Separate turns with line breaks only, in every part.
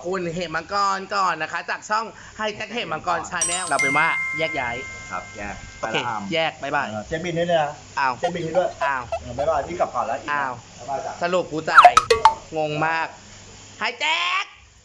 คุณเหมมังกรก่อนนะคะ จากช่องไฮแท็กเหมมังกรชาแนลเราเป็นว่าแยกย้าย
ครับแยก
โอเคแยกบายบาย
เช็คบินให้ด้วยนะ
อ้าว
เช็คบินให้ด้วย
อ้าว
บายบายพี่กลับก่อนแล้ว
อ้าว
บายบายจ้ะ
สรุปกูจ่ายงงมากไฮแท็ก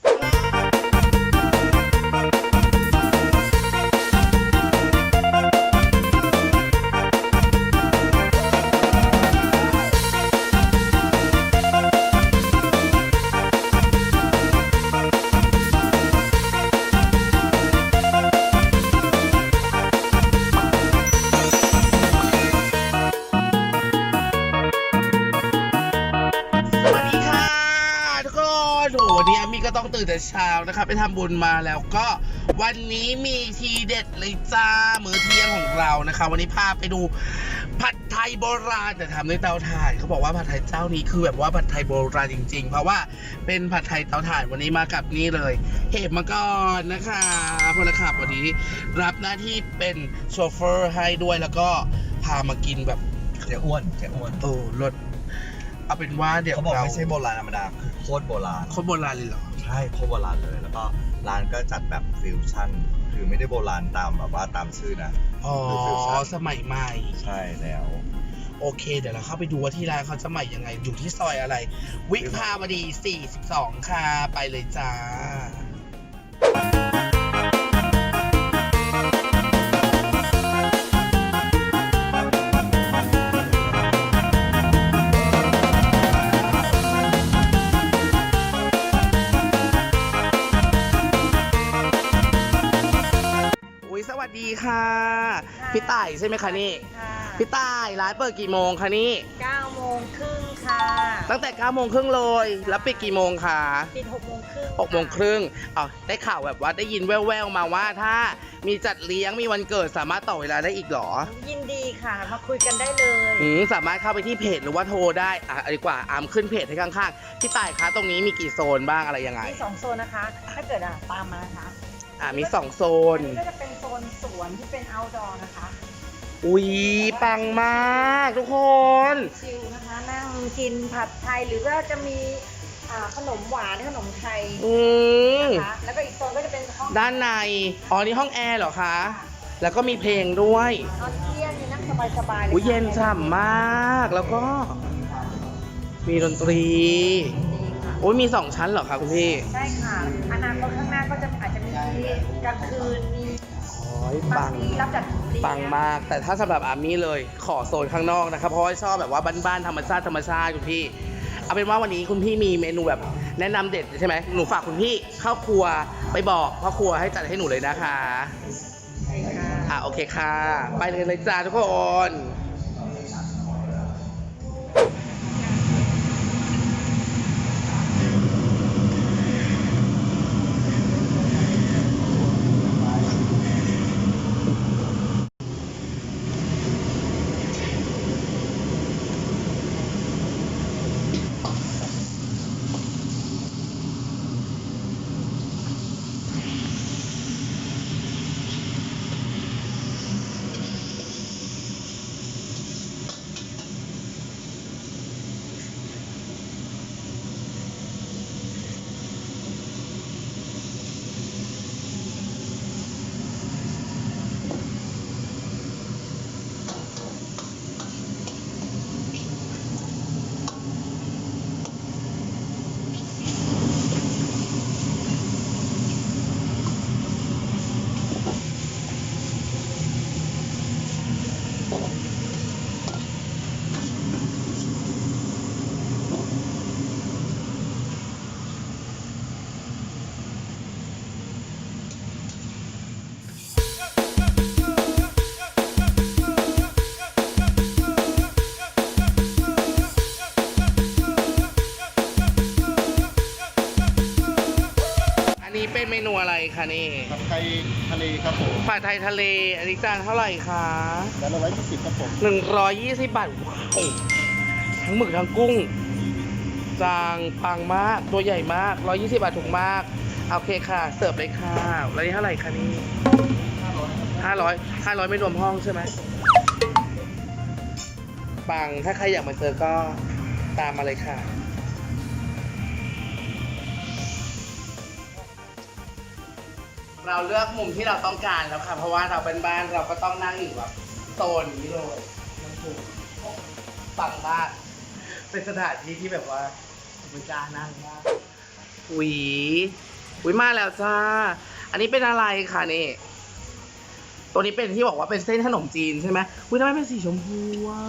วันนี้อามี่ก็ต้องตื่นแต่เช้านะคะไปทำบุญมาแล้วก็วันนี้มีทีเด็ดเลยจ้ามื้อเที่ยงของเรานะคะวันนี้พาไปดูผัดไทยโบราณแต่ทำด้วยเตาถ่านเขาบอกว่าผัดไทยเจ้านี้คือแบบว่าผัดไทยโบราณจริงๆเพราะว่าเป็นผัดไทยเตาถ่านวันนี้มากับนี่เลยเหมมังกรนะคะพลขับวันนี้รับหน้าที่เป็นโชเฟอร์ให้ด้วยแล้วก็พามากินแบบ
เจ๊อ้วน
รสเอาเป็นว่าเดี๋ยว
เขาบอกไม่ใช่โบราณธรรมดาคือโคตรโบราณ
โคตรโบราณเลยเหรอ
ใช่โคตรโบราณเลยแล้วก็ร้านก็จัดแบบฟิวชั่นคือไม่ได้โบราณตามแบบว่าตามชื่อนะ
อ๋อสมัยใหม่
ใช่แล้ว
โอเคเดี๋ยวเราเข้าไปดูว่าที่ร้านเขาจะใหม่ยังไงอยู่ที่ซอยอะไรวิภาวดี42ค่ะไปเลยจ้าสวัสดีค่ะพี่ต่ายใช่ไหมคะนี่พี่ต่ายร้านเปิดกี่โมงคะนี่
9 โมงครึ่งค่ะ
ตั้งแต่9 โมงครึ่งเลยแล้วปิดกี่โมงคะ
ปิด6 โมงครึ่ง
6 โมงครึ่งได้ข่าวแบบว่าได้ยินแว่วๆมาว่าถ้ามีจัดเลี้ยงมีวันเกิดสามารถต่อเวลาได้อีกหรอ
ยินดีค่ะมาคุยกันได้เลย
สามารถเข้าไปที่เพจหรือว่าโทรได้ดีกว่าขึ้นเพจให้ข้างๆพี่ต่ายคะตรงนี้มีกี่โซนบ้างอะไรยังไง
มี2 โซนนะคะถ้าเกิดตามมานะคะ
มี2 โซน
ก็จะเป็นโซนสวนที่เป็น outdoor นะคะ
อุ๊ยปังมากทุกคน
ชิลนะคะนั่งกินผัดไทยหรือว่าจะมีขนมหวานขนมไทยนะคะแล้วก็อีกโซนก็จะเป็นห้อง
ด้านในนี่ห้องแอร์เหรอคะแล้วก็มีเพลงด้วย
ตอนเที่ยงนั่งสบายๆเลย
เย็นฉ่ำมากแล้วก็มีดนตรีมี2 ชั้นเหรอคะคุณพี่
ใช่ค่ะอนาคตข้างหน้าก็จะอาจจะมีกลางคืนมี
ปัง
รับจัด
ปังมากแต่ถ้าสำหรับอามี่เลยขอโซนข้างนอกนะครับเพราะว่าชอบแบบว่าบ้านๆธรรมชาติคุณพี่เอาเป็นว่าวันนี้คุณพี่มีเมนูแบบแนะนำเด็ดใช่ไหมหนูฝากคุณพี่เข้าครัวไปบอกพ่อครัวให้จัดให้หนูเลยนะคะโอเคค่ะไปเลยจ้าทุกคนเป็นเมนูอะไรคะนี่
ผัดไทยทะเลครับผม
ผัดไทยทะเลอันนี้จานเท่าไหร่คะ
จานละ120ครับผม
120 บาทว้าวทั้งหมึกทั้งกุ้งจางปังมากตัวใหญ่มาก120 บาทถูกมากโอเคค่ะเสิร์ฟเลยค่ะแล้วนี่เท่าไหร่คะนี่500ไม่รวมห้องใช่ไหมปังถ้าใครอยากมาเจอก็ตามมาเลยค่ะเราเลือกมุมที่เราต้องการแล้วค่ะ เพราะว่าเราเป็นบ้านเราก็ต้องนั่งอยู่แบบโซนนี้เลยมันถูกปังมากเป็นสถานที่ที่แบบว่ามันกล้านั่งมากอุ๊ยมาแล้วจ้า อันนี้เป็นอะไรคะนี่ ตัวนี้เป็นที่บอกว่าเป็นเส้นขนมจีนใช่ไหมอุ๊ยทำไมเป็นสีชมพูอ่ะ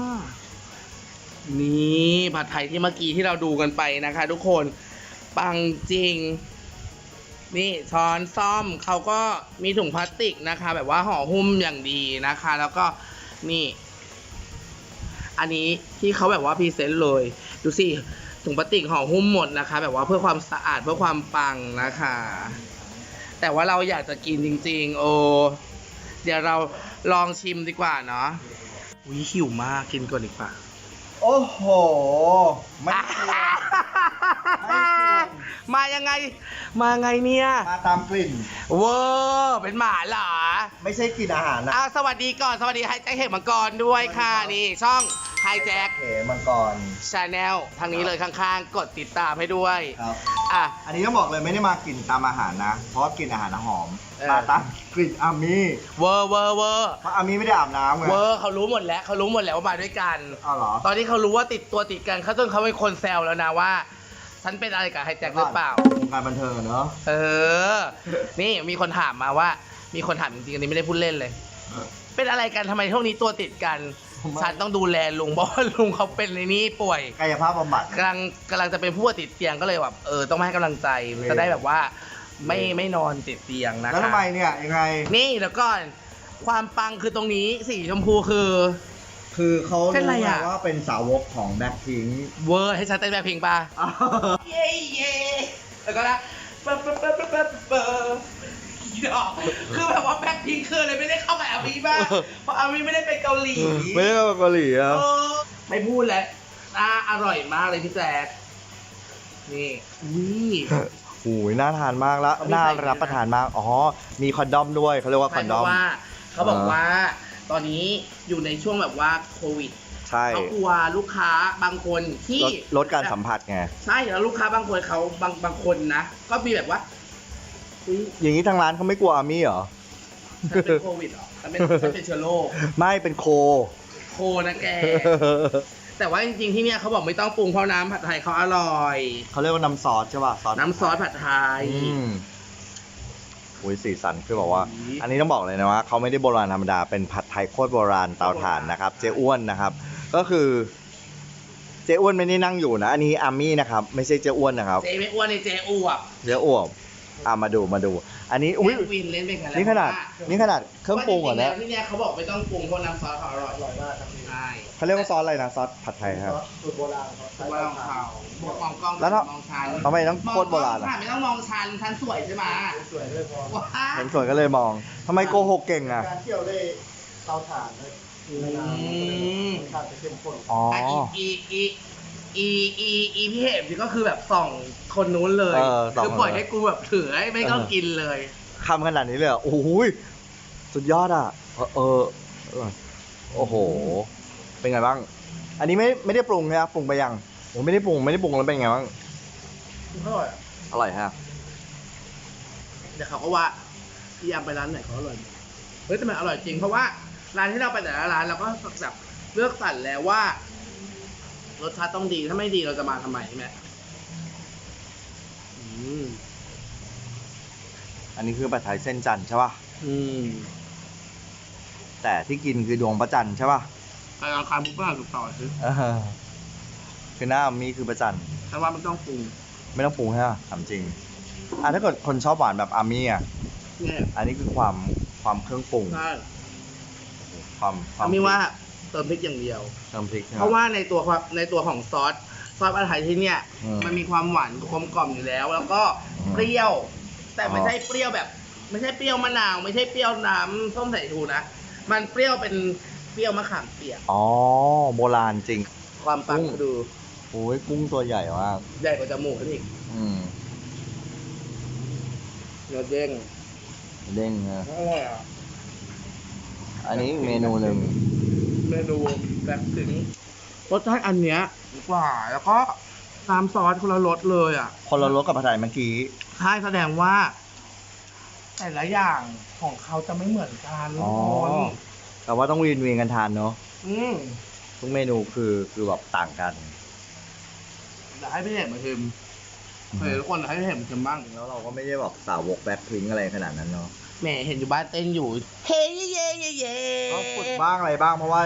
นี่ผัดไทยที่เมื่อกี้ที่เราดูกันไปนะคะ ทุกคนปังจริง นี่ช้อนซ่อมเขาก็มีถุงพลาสติกนะคะ แบบว่าห่อหุ้มอย่างดีนะคะ แล้วก็นี่ อันนี้ที่เขาแบบว่าพรีเซนต์เลยดูสิถุงพลาสติกห่อหุ้มหมดนะคะ แบบว่าเพื่อความสะอาดเพื่อความปังนะคะ แต่ว่าเราอยากจะกินจริงๆโอ้เดี๋ยวเราลองชิมดีกว่าเนาะวิหิวมากกินก่อนดีกว่า
โอ้โหไม่กลัว ไม่กลัว
มายังไงเนี่ย
มาตามกลิ่น
เวอร์เป็นหมาเหรอ
ไม่ใช่กลิ่นอาหารนะ
สวัสดีก่อนสวัสดีไฮแจ็คเหตุมังกรด้วยค่ะนี่ช่องไฮแจ็ค
เหมังกร
ชาแนลทางนี้เลยข้างๆ กดติดตามให้ด้วย
ครับ
อ่ะ
อันนี้ต้องบอกเลยไม่ได้มากลิ่นตามอาหารนะ เพราะว่ากลิ่นอาหารหอม
เออ
มาตามกลิ่นอามี่
เวอร์
เพราะอามี่ไม่ได้อาบน้ำไง
เวอร์เขารู้หมดแล้วว่ามาด้วยกัน
อ้าวเหรอ
ตอนที่เขารู้ว่าติดกันเขาจนเขาเป็นคนแซวแล้วนะว่า ฉันเป็นอะไรกับไฮแจ็คหรือเปล่าว
งการบันเทิงอะเนอะ
นี่มีคนถามมาว่า มีคนถามจริงๆอันนี้ไม่ได้พูดเล่นเลย เป็นอะไรกันทำไมช่วงนี้ตัวติดกัน ฉันต้องดูแลลุงเพราะว่าลุงเขาเป็นในนี้ป่วย
กายภาพบำบัด
กำลังจะเป็นผู้ป่วยติดเตียงก็เลยแบบต้องมาให้กำลังใจ
เลย
จะได้แบบว่าไม่นอนติดเตียงนะคะ
แล้วทำไมเนี่ยยังไง
นี่แล้วก่อนความปังคือตรงนี้สีชมพูคือ
คือเขา
เป็นไร
รู้
อะ
มาว่าเป็นสาวกของแบ็คพิงค์
เวอร์ให้ฉันเต้นแบบเพลงป่ะ เย่แล้วก็นะเปิดคือแบบว่าแบ็คพิงค์คือเลยไม่ได้เข้ากับอามีบ้างเพราะอามีไม่ได้ไปเกาหลี
ไม่ได้มาเกาหลีอ่ะ
ไม่พูดแล้วอร่อยมากเลยพี่แจ๊คนี่อุ้ย
โอ้ยน่าทานมากแล้ว
เขามี
น่า
ใส่
รับประทานมาก อ๋อ มีคอนดอมด้วยเขาเรียกว่าค
ใช่
อน
เพ
ดอม
ราะว่าเขาบอกว่า ตอนนี้อยู่ในช่วงแบบว่าโควิด
ใช่
เขากลัวลูกค้าบางคนที่
ลดการสัมผัสไง
ใช่แล้วลูกค้าบางคนเขาบางคนนะ ก็มีแบบว่าอุ๊ย
อย่างนี้ทางร้านเขาไม่กลัวอามี่เหรอ
ฉันเป็นโควิดเหรอฉันเป็นเชื้อโรค
ไม่เป็นโค
โคนะแก แต่ว่าจริงๆที่เนี่ยเขาบอกไม่ต้องปรุงเพราะน้ำผัดไทยเขาอร่อย
เขาเรียกว่าน้ำซอสใช่ป่ะ
น้ำซอสผัดไทย
โอ้ยสีสันคือบอกว่า
อุ๊ย
อันนี้ต้องบอกเลยนะว่าเขาไม่ได้โบราณธรรมดา เป็นผัดไทยโคตรโบราณเตาถ่านนะครับ เจ๊อ้วนนะครับ ก็คือ เจ๊อ้วนไม่ได้นั่งอยู่นะ อันนี้อามี่นะครับ ไม่ใช่เจ๊อ้วนนะครับ
เจ๊ไม่อ้วนในเจ๊อวบ
เจ๊อ้วนมาดู อันนี้ อุ้ย
เจ๊วินเล่นเป็นกันแล้ว
นี่ขนาดเครื่องปรุงเหรอ
เนี่
เนี่ย
ที่เนี่ยเขาบอกไม่ต้องปรุงเพราะน้ำซอสเขาอร่อยมากใช่
เขาเรียกว่าซอสอะไรนะ ซอสผัดไทยครับ
สูตรโบราณของเขาบอกมองกล้อง
แล้วถ้า
มองชัน
ทำไมต้องโคตรโบราณ
มองกล้อง
อ่ะ
ค่ะไม่ต้องมองชันสวยใช่ไหมสวยเลยพอว้า
เห็นสวยก็เลยมอง ทำไมโกหกเก่งอ่ะ
การเที่ยวได้เตาถ่านได้ในน้ำรสชาติจะเข้มข้น
อ๋อ
อีพี่เห็นนี่ก็คือแบบส่องคนนู้นเลย
ส่อง
คือปล่อยให้กูแบบถือให้ไม่ต้องกินเลย
คำขนาดนี้เลยเหรอโอ้โหยสุดยอดอ่ะ โอ้โห เป็นไงบ้าง อันนี้ไม่ได้ปรุงนะครับปรุงไปยังผมไม่ได้ปรุงแล้วเป็นไงบ้าง
อร่อย
อร่อยฮะ
เดี๋ยวเขาก็ว่าพี่ยามไปร้านไหนเขาอร่อยเฮ้ยแต่มันอร่อยจริงเพราะว่าร้านที่เราไปแต่ละร้านเราก็แบบเลือกสรรแล้วว่ารสชาติต้องดีถ้าไม่ดีเราจะมาทำไมใช่ไหม
อันนี้คือผัดไทยเส้นจันทร์ใช่ป่ะ แต่ที่กินคือดวงพระจันทร์ใช่ป่ะ
ไปลองคาบุกก็ถูกต่อซื้อ
คือหน้ามีคือพระจันทร์
แต่ว่ามันต้องปรุง
ไม่ต้องปรุงใช่ป่ะถามจริงถ้าเกิดคนชอบหวานแบบอามี่อ่ะ
เนี่ย
อันนี้คือความเครื่องปรุง
ใช่
ความ
ไม่ว่าเติมพริกอย่างเดียว
เติมพริก
เพราะว่าในตัวของซอสผัดไทยที่เนี่ย มันมีความหวานกลมกล่อมอยู่แล้ว แล้วก็เปรี้ยว แต่ไม่ใช่เปรี้ยวแบบ ไม่ใช่เปรี้ยวมะนาว ไม่ใช่เปรี้ยวน้ำส้มสายชูนะ มันเปรี้ยวเป็นเปรี้ยวมะขามเปียก
อ๋อโบราณจริง
ความปังดู
โอ้ยกุ้งตัวใหญ่มาก
ใหญ่กว่าจมูกอีก เนื้อเด้ง
เด้งนะ
อร่อยอ่ะ
อันนี้อีกเมนูหนึ่ง
เมนูแบบถึงรสชาติอันเนี้ยดีกว่า แล้วก็น้ำซอสคนละรสเลยอ่ะ
คนละรสกับผัดไทยเมื่อกี้
ใช่แสดงว่าแต่ละอย่างของเขาจะไม่เหมือนกันทุ
อ๋
ก
อ
คน
แต่ว่าต้องเวียนกันทานเนาะ
อืม
ทุกเมนูคือแบบต่างกัน
เดี๋ยวให้พี่เห็นมาชิมเฮ้ยทุกคนให้พี่เห็นมาชิมบ้าง
แล้วเราก็ไม่ได้แบบสาวกแบ็คพิงอะไรขนาดนั้นเนาะ
แหมเห็นอยู่บ้านเต้นอยู่ เฮ้ยเย่เย่เย่
ก็ฝึกบ้างอะไรบ้างเพราะว่าร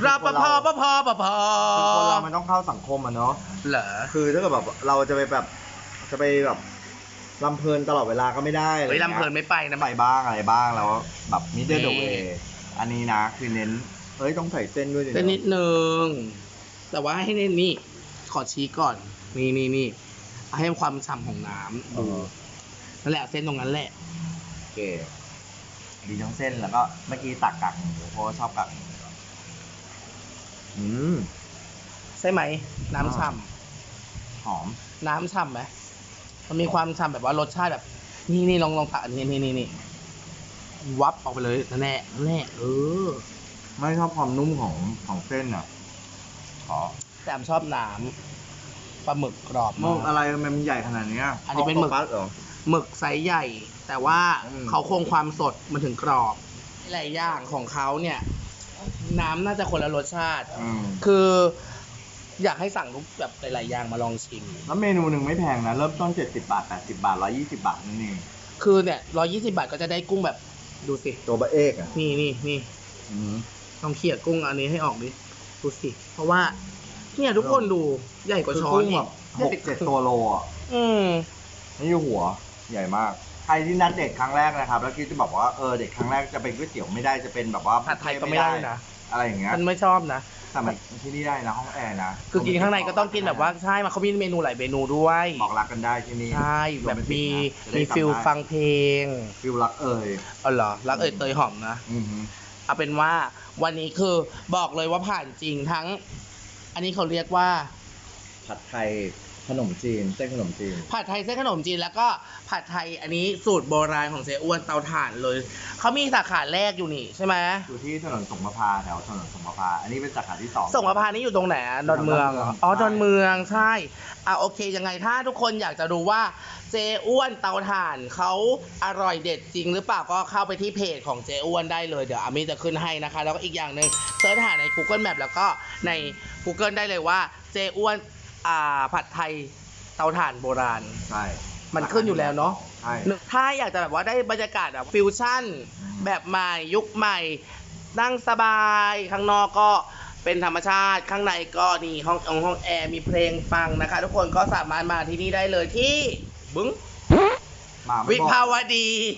ปภปภปภ
คือคนเรามันต้องเข้าสังคมอะเนาะ
เหรอ
คือถ้าเกิดแบบเราจะไปแบบลำเพลินตลอดเวลาก็ไม่ได้อะไร
เฮ้ย
งี้ย
ลำเพลินไม่ไปนะ
ไปบ้างอะไรบ้างแล้วแบบมิดเดิล
นี่
เวอันนี้นะคือเน้นเฮ้ยต้องใส่เส้นด้วยดิ
เต้นนิดนึง แต่ว่าให้เน้นนี่ ขอชี้ก่อน นี่ให้ความฉ่ำของน้ำ
เอ
ดู
อ
นั่นแหละเส้นตรงนั้นแหละ
โอเคดีทั้งเส้นแล้วก็เมื่อกี้ตักกากหมูเพราะว่าชอบกากหมูอืม
ใช่ไหม น้ำฉ่
หอม
ำน้ำฉ่ำไหมมันมีความฉ่ำแบบว่ารสชาติแบบ นี่ลองตักอันนี้วับออกไปเลยนั่นแหละ
ไม่ชอบความนุ่มของเส้นอ่ะขอ
แต่ผมชอบน้ำปลาหมึกกรอบ
มึ
มาก
อะไรมันใหญ่ขนาดเนี้ย
อันนี้เป็นหมึก
ออโต้ปัสเหรอ
หมึกไซส์ใหญ่ แต่ว่า
อืม
เขาคงความสดมันถึงกรอบหลายอย่างของเขาเนี่ย น้ำน่าจะคนละรสชาติ คืออยากให้สั่งทุกแบบหลายๆอย่างมาลองชิม
แล้วเมนูหนึ่งไม่แพงนะ เริ่มต้น70 บาท 80 บาท 120 บาทนั่นเอง
คือเนี่ย120 บาทก็จะได้กุ้งแบบดูสิ
ตัวบะเอกอ่ะ
นี่
อืม
ลองเขี่ยกุ้งอันนี้ให้ออกดิดูสิ เพราะว่า เนี่ยทุกคนดูใหญ่กว่าช้อน
กุ้ง
อี
แบ
ก
บ6-7 ตัวโลอ่ะ
อืม
นี่คือหัวใหญ่มาก ใครที่นัดเด็กครั้งแรกนะครับ แล้วคิดจะบอกว่าเด็กครั้งแรกจะเป็นก๋วยเตี๋ยวไม่ได้จะเป็นแบบว่า
ผัดไทยก็ไม่ได้นะ
อะไรอย่างเงี้ย
มันไม่ชอบนะ
แต่มันที่นี่ได้นะห้องแอร์นะ
คือกินข้างในก็ต้องกินแบบว่าใช่มาเขามีเมนูหลายเมนูด้วย
บอกรักกันได้ที่นี่
ใช่แบบมี
จะได้
มีฟิล
จำได้
ฟังเพลง
ฟิลรักเอ่ย
อ๋อเหรอรักเอ่ยเตยหอมนะ
อือฮึ
เอาเป็นว่าวันนี้คือบอกเลยว่าผ่านจริงทั้ง อันนี้เขาเรียกว่า
ผัดไทยขนมจีนเส้นขนมจีน
ผัดไทยเส้นขนมจีนแล้วก็ผัดไทยอันนี้สูตรโบราณของเจ๊อ้วนเตาถ่านเลยเขามีสาขาแรกอยู่นี่ใช่ไหม
อยู่ที่ถนนสงประพาแถวถนนสงประพาอันนี้เป็นสาขาที่ 2
ส่งมาพานี้อยู่ตรงไหนอะดอนเมืองเหรออ๋อดอนเมืองใช่โอเคยังไงถ้าทุกคนอยากจะดูว่าเจ๊อ้วนเตาถ่านเขาอร่อยเด็ดจริงหรือเปล่าก็เข้าไปที่เพจของเจ๊อ้วนได้เลยเดี๋ยวอามี่จะขึ้นให้นะคะ แล้วก็อีกอย่างหนึ่งเสิร์ชหาใน Google Map แล้วก็ใน Google ได้เลยว่าเจ๊อ้วนผัดไทยเตาถ่านโบราณ
ใช่
มันขึ้นอยู่แล้วเนาะ
ใช่
ถ้าอยากจะแบบว่าได้บรรยากาศแบบฟิวชั่น แบบใหม่ยุคใหม่ นั่งสบายข้างนอกก็เป็นธรรมชาติข้างในก็นี่ห้องแอร์มีเพลงฟังนะคะ ทุกคนก็สามารถมาที่นี่ได้เลยที่บึ้ง
มาไม่
วิ
บอก
ภาวดี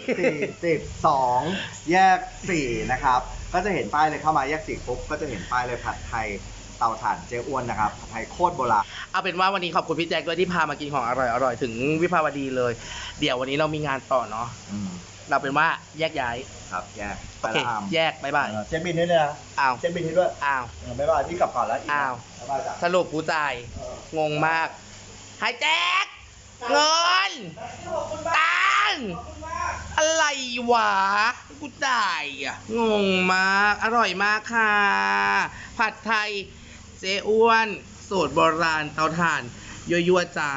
42 แยก 4 นะครับ ก็จะเห็นป้ายเลยเข้ามาแยก 4 ปุ๊บ ก็จะเห็นป้ายเลยผัดไทยเตาถ่านเจ๊อ้วนนะครับ ผัดไทยโคตรโบราณ
เอาเป็นว่าวันนี้ขอบคุณพี่แจ็คด้วยที่พามากินของอร่อยๆถึงวิภาวดีเลย เดี๋ยววันนี้เรามีงานต่อเนาะ
อืม
เราเป็นว่าแยกย้าย
ครับแยก
โอเค
ไปละอาม
แยกบ๊ายบาย
เช็คบินด้วยนะ
อ้าว
เช็คบินให้ด้วย
อ้าว
บ๊ายบายพี่กลับก่อนแล้วก
อ้าว
บ๊ายบายจ้ะ
สรุปกูจ่าย งงมากหายแจ็คเงินตังค์อะไรวะ กูจ่ายงงมาก อร่อยมากค่ะ ผัดไทยเจ๊อ้วน สูตรโบราณเตาถ่าน ยั่วๆจ้า